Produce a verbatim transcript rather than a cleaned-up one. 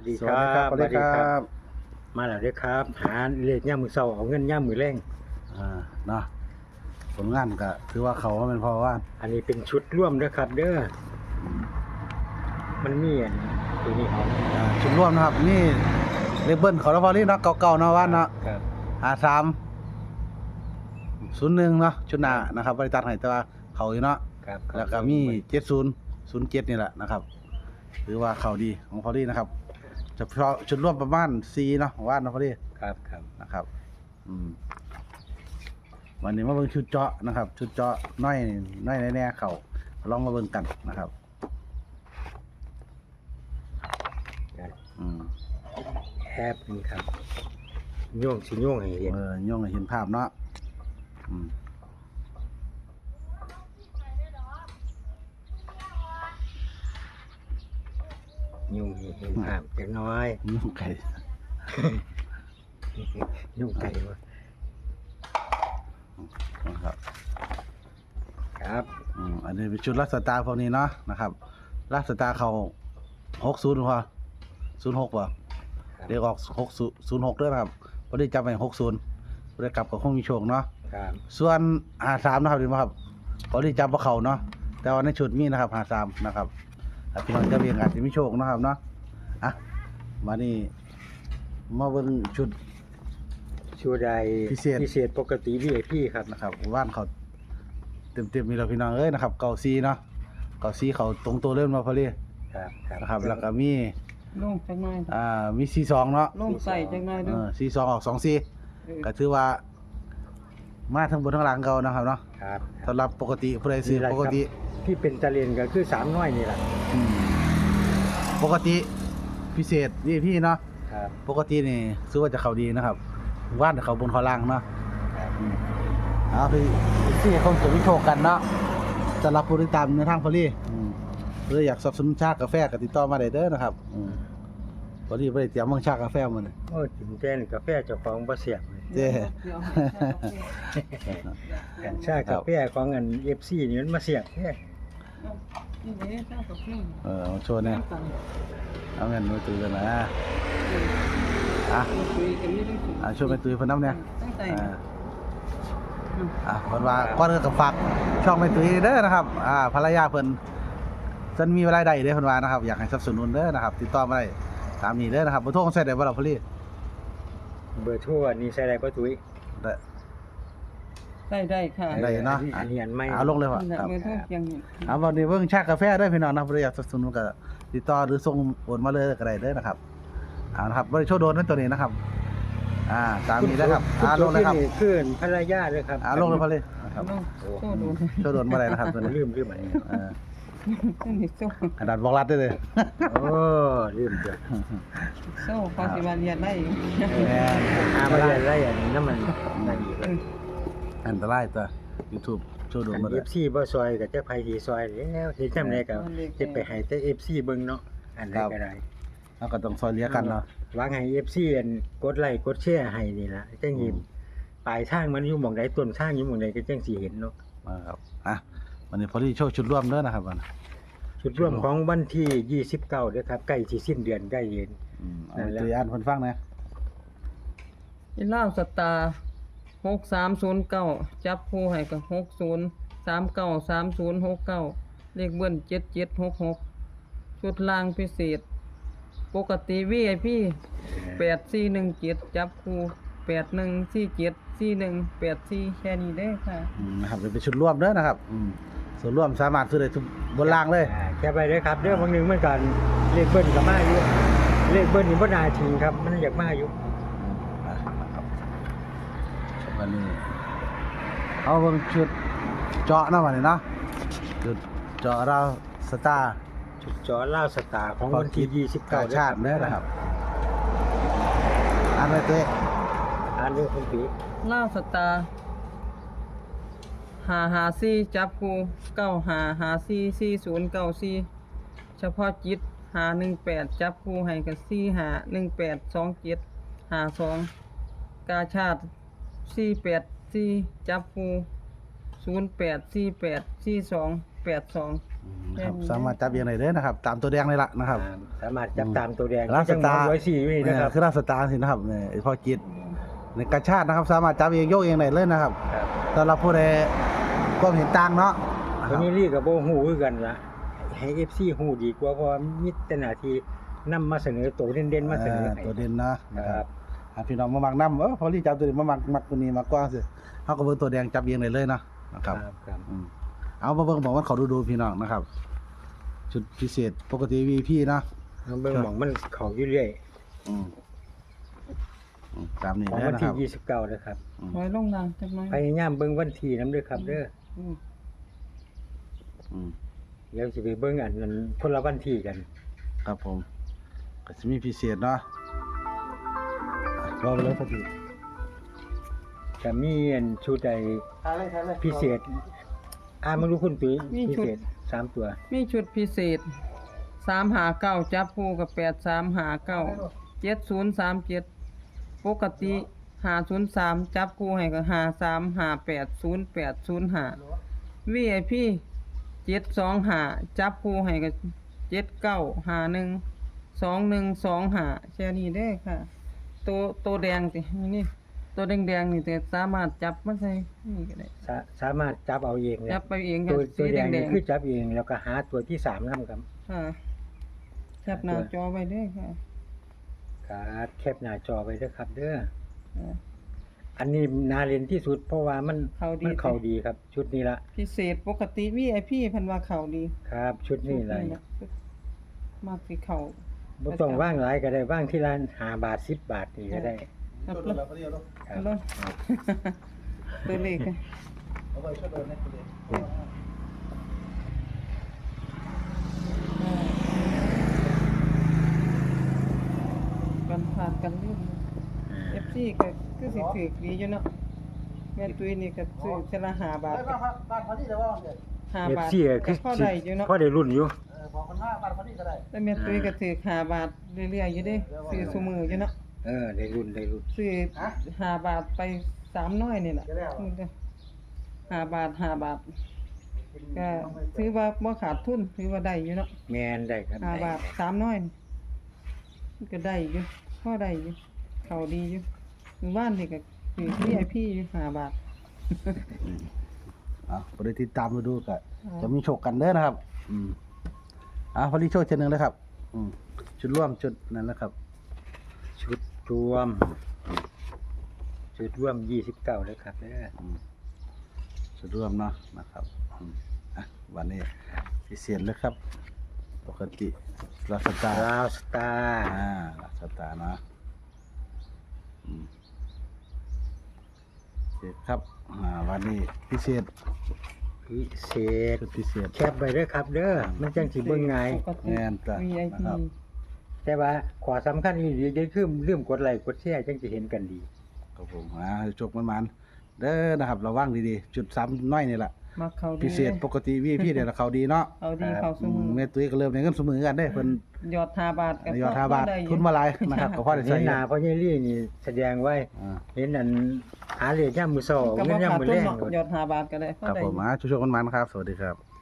วัสดีครับสวัสดีครับมาแล้วเด้อครับหาเลขย่ามมือเช้าเอาเงินย่ามมือแรงอ่าเนาะผลงานก็ถือว่าเขาว่าเป็นพอว่าอันนี้เป็นชุดร่วมเด้อครับ เด้อมันมีอันตัวนี้เอาอ่าชุดร่วมนะครับนี่เลเบิ้ลเขาแล้วพอนี่เนาะเก่าๆเนาะว่านเนาะครับห้าสามศูนย์หนึ่งเนาะชุดหน้านะครับบริษัทให้แต่ว่าเขาอยู่เนาะครับแล้วก็มีเจ็ดศูนย์ศูนย์เจ็ดนี่แหละนะครับถือว่าเขาดีของพอดีนะครับเฉพาะชุดร่วมประมาณสี่เนาะว่านเนาะพอดีครับครับนะครับอืมวันนี้มาเบิ่งชุดเจาะนะครับ ชุดเจาะน้อยน้อยแน่ๆเขาลองมาเบิ่งกันนะครับอืมแฮปนี่ครับโย่งสิโย่งให้เห็นเออย่งให้เห็นภาพเนาะอืมโย่งให้เห็นภาพจักหน้อยยุ่งไก่โย่งไก่วะนะครับครับอืมอันนี้เป็นชุดลักสตาร์พวกนี้เนาะนะครับลักสตาร์เขาหกศูนย์พอศูนย์หกป่ะเดี๋ยวออกหกศูนย์หกด้วยนะครับพอดีจำไปหกศูนย์พอดีกลับกับคงมีโชคเนาะครับส่วนหาสามนะครับดีไหมครับพอดีจำว่าเขาเนาะแต่ว่าในชุดมีนะครับหาสามนะครับถ้าพี่น้องจะเรียงอาจจะมีโชคนะครับเนาะอ่ะมานี่มาเบิ่งชุดชูใดพิเศษพิเศษปกติ วี ไอ พี ครับนะครับว่านเขาเต็มๆมีเราพี่น้องเอ้ยนะครับเก่าซีเนาะเก่าซีเขาตรงตัวเริ่มมาพอดีครับครับนะครับแล้วก็มีลงจังหน่อยอ่ามีซีสองเนาะลงใส่จังหน่อยเอเด้ออซีสองออกสองซีเออก็ถือว่ามาทั้งบนทั้งหลังเก่านะครับเนาะครับสำหรับปกติผู้ใดซื้อปกติที่เป็นตะเลียนก็คือสามน้อยนี่แหละอืมปกติพิเศษนี่พี่เนาะครับปกตินี่ซื้อว่าจะเขาดีนะครับว่านเขาบนเขาล่างเนาะครับอืมเอาพี่ที่คงจะวิโชคกันเนาะสำหรับผู้ติดตามในทางพอลี่อืมหรืออยากสนับสนุนชากาแฟก็ติดต่อมาได้เด้อนะครับอืมพอลี่บ่ได้เตรียมมังชากาแฟมาเลยโอ้ถึงแจ้นกาแฟเจ้าของบ่เสียบเลยเจ้เดี๋ยวกันชากาแฟของอัน เอฟ ซี นี่มันมาเสียบแท้นี่เด้อเจ้ากับพี่เออเอาโชว์เนี่ยเอาเงินมือถือกันนะอ่ะคุยกันนี่ต้องอ่ะช่วยไปตุ้ยเพิ่นน้ำเนี่ยตั้งใจอ่าอ่ะเพิ่นว่าก่อนอื่นก็ฝากช่องไปตุ้ยเด้อนะครับอ่าภรรยาเพิ่นเพิ่นมีรายได้เด้อเพิ่นว่านะครับอยากให้สนับสนุนเด้อนะครับติดต่อมาได้ตามนี้เด้อนะครับบ่โทรใช้ได้บ่ล่ะพอลี่เบอร์โทรอันนี้ใส่ได้บ่ตุ้ยได้ได้ได้ค่ะได้เนาะอันนี้อันใหม่เอาลงเลยว่ะนี่แหละครับมือโทษยังนี่เอาวันนี้เบิ่งชากาแฟได้พี่น้องนะบ่ได้อยากสนับสนุนก็ติดต่อหรือส่งโอนมาเลยก็ได้เด้อนะครับเอานะครับบ่ได้โชว์โดนนั่นตัวนี้นะครับอ่าตามนี้แล้วครับอ่าลงเลยครับนี่คือภรรยาเลยครับอ่าลงเลยพอลี่นะครับลงโซ่ดูโชว์โดนบ่ได้นะครับตัวนี้ลืมลืมอันนี้เออนี่โซ่กระดาษบอกรัดได้เลยโอ้ลืมเด้อโซ่พอสิมาเรียนได้อีกแหมหามาได้ได้อันนี้น้ำมันนั่นอีกแล้วอันตรายตัว YouTube โชว์โดนบ่เอได้ฟซีบ่ซอยก็จะไผสิซอยแล้วเฮ็ดจำได้ก็เฮ็ดไปให้แต่ เอฟ ซี เบิ่งเนาะอันใดก็ได้เราก็ต้องซอยเหลือกันเนาะหวังให้ เอฟ ซี อันกดไลค์กดแชร์ให้นี่ล่ะจังสิปลายทางมันอยู่หม่องใดต้นทางอยู่หม่องใดก็จังสิเห็นเนาะมาครับอ่ะวันนี้พอดีโชว์ชุดร่วมเด้อนะครับวันจุดร่วมของวันที่ยี่สิบเก้าเด้อครับใกล้สิสิ้นเดือนใกล้เย็นอืมเอาไปตัวอ่านเพิ่นฟังนะอีล่าวสตาร์หกสามศูนย์เก้าจับคู่ให้กับหกศูนย์สามเก้าสามศูนย์หกเก้าเลขเบิ้ลเจ็ดเจ็ดหกหกชุดล่างพิเศษ ปกติ วี ไอ พี แปดสี่หนึ่งเจ็ดจับคู่แปดหนึ่งสี่เจ็ดสี่หนึ่งแปดสี่แค่นี้ได้อค่ะอืมนะครับเป็นชุดร่วมเด้อนะครับอืมส่วนร่วมสามารถซื้อได้ทุกบนล่างเลยอ่าแค่ไปเด้อครับเด้อบางหนึงเหมือนกันเลขเบิ้ลก็มาอยู่เลขเบิ้ลนี่บ่น่าทิ้งครับมันอยากมาอยู่อ่ะนะครับวันนี้เอาเบิ่งชุดเจาะเนาะวันนี้เนาะชุดเจาะเราสตาร์จุดจอล่าวสตาร์ของวันที่ยี่สิบกาเก้าชาติเด้อนะครับอ่านไว้เต้อ่านเรื่องคุณปีล่าวสตาร์หาหาซี่จับคู่เก้าหาหาซี่สี่ศูนย์เก้าสี่เฉพาะจิตหาหนึ่งแปดจับคู่ให้กับสี่หาหนึ่งแปดสองเจ็ดหาสองกาชาติสี่แปดสี่จับคู่ศูนย์แปดสี่แปดสี่สองแปดสองนะครับสามารถจับเองได้เลยนะครับ ตามตัวแดงเลยล่ะนะครับอ่าสามารถจับตามตัวแดงลาบสตาร์ร้อยสี่นี่นะครับคือลาบสตาร์สินะครับเนี่ยไอ้พ่อจิตในกระชาตินะครับ สามารถจับเองโยกเองได้เลยนะครับครับสำหรับผู้ใดก็เห็นต่างเนาะนะคตัวรับนี้รีกับโบหูคือกันละให้ เอฟ ซี หูดีกว่าเพราะว่ามีแต่หน้าที่นำมาเสนอตัวเด่นๆมาเสนอเออให้ตัวเด่นเนาะนะคครัรับบ อ่ะพี่น้องมามักน้ำเออพอรีจับตัวนี้มามักมักตัวนี้มากกว่าสิเขาก็เบิ่งตัวแดงจับเองได้เลยเนาะนะครับครับอืมเอามาเบิ่งบอกว่าเขาดูดูพี่น้องนะครับ ชุดพิเศษปกติ วี พี เนาะน้องเบิ่งหมองมันเขาอยู่เรื่อยอืมอืมตามนี้ของเด้อวันนะคที่รับยี่สิบเก้านะครับอืมไว้ลงนางจักหน่อยพยายามเบิ่งวันที่นํเด้อครับเด้ออืมอืมเดี๋ยวสิไปเบิ่งอันนั้นคนละวันที่กันครับผมก็จะมีพิเศษเนาะรอไปเลยพอดีจะมีอันชุดใดถ่ายเลยถ่ายเลยพิเศษ อ่ามึงรู้คุณตุ้ยพิเศษสามตัวมีชุดพิเศษสามหาเก้าจับคู่กับแปดสามหาเก้าเจ็ดศูนย์สามเจ็ดปกติหาศูนย์สามจับคู่ให้กับหาสามหาแปดศูนย์แปดศูนย์หา วี ไอ พี เจ็ดสองหาจับคู่ให้กับเจ็ดเก้าหาหนึ่งสองหนึ่งสองหาแค่นี้ได้อค่ะ ตัวตัวแดงสินี่ตัวแดงๆนี่แต่สามารถจับมาใส่นี่ก็ได้สาสามารถจับเอาเองเนี่ยจับไปเองตัค่ะวตัวสีแดงแดนี่งคือจับเองแล้วก็หาตัวที่สามนํครับๆค่ะจับหน้าจอไว้เด้อค่ะครับแคปหน้าจอไว้เด้อครับ เด้ออ่าอันนี้นาเรียนที่สุดเพราะว่ามันเข้าดีมันเข้าดีครับ ชุดนี้ละพิเศษปกติ วี ไอ พี เพันว่าเขาดีครับ ชุดนี้เลยมากสิเขาบ่ต้องว่างหลายก็ได้ว่างที่ร้านห้าบาทสิบบาทนี่ก็ได้ครับชุดแล้วเราพอดีเอาลูกครับแล้วตัวเลขค่ะเอาไว้ช่วยเดินให้พอดีกันผ่านกันลืม เอฟซีก็คือสิถือดีอยู่เนาะแม่ตุ้ยนี่ก็ซื้อเทอละห้าบาทไปบ้านพักบ้านพอดีเลยว่าเดี๋ยวห้าเอฟบาทซีก็คือพอได้อยู่เนาะพอได้รุ่นอยู่เออบอกคนห้าบ้านพอดีก็ได้แต่แม่ตุ้ยก็ถือห้าบาทเรื่อยๆอยู่เด้ซื้อซุมืออยู่เนาะเออได้รุ่นได้รุ่นซื้อห้าบาทไปสามน้อยนี่แหละห้าบาทห้าบาทก็ถือว่าบ่ขาดทุนถือว่าได้อยู่เนาะแม่นได้ครับห้าได้บาทสามน้อยนี่มันก็ได้อยู่พอได้อยู่เขาดีอยู่หมู่บ้านนี่ก็คือ วี ไอ พี อยู่ห้าบาทอ่ะพอดีติดตามมาดูก็จะมีโชคกันเด้อนะครับ อืมอ่ะพอดีโชคเช่นหนึ่งเลยครับ อืมชุดร่วมชุดนั้นแหละครับชุดรวม ชุดรวมยี่สิบเก้าเลยครับเด้ออืมชุดร่วมเนาะนะครับอืมอ่ะวันนี้พิเศษเลยครับ ปกติลาสตาร์ลาวสตาร์อ่าลาสตาร์เนาะอืมพิเศษครับอ่าวันนี้พิเศษพิเศษชุดพิเศษแคปไว้เด้อครับ เด้อมันจังสิเบิ่งง่ายปกติแม่นจ้ะวี ไอ พีนะครับแต่ว่าขอสำคัญอีกอย่างคือลืมกดไลค์กดแชร์จังสิเห็นกันดีครับผมอ่าโชคมันมันๆเด้อนะครับระวังดีๆ จุดซ้ำน้อยนี่แหละมักเขาดีพิเศษปกติวีพี่เดี๋ยวเขาดีเนาะเขาดีเขาสอืมืมอแม่ตุ้ยก็เริ่มในเงินสมือกันได้เพิ่นยอดห้าบาทก็ยอดห้าบาทพได้อยู่ทุนมาหลายนะครับก็พอได้เห็ใช้นหน้าพ่อใหญ่ลี่นี่แสดงไว้อ่าเห็นอันหาเลขยามมื้อเช้าก็เงิบ่นยามขาดมื้อทุแลนงเนาะยอดห้าบาทก็ได้พอครับได้ผมอ่าช่วยๆกันมันๆครับ สวัสดีครับ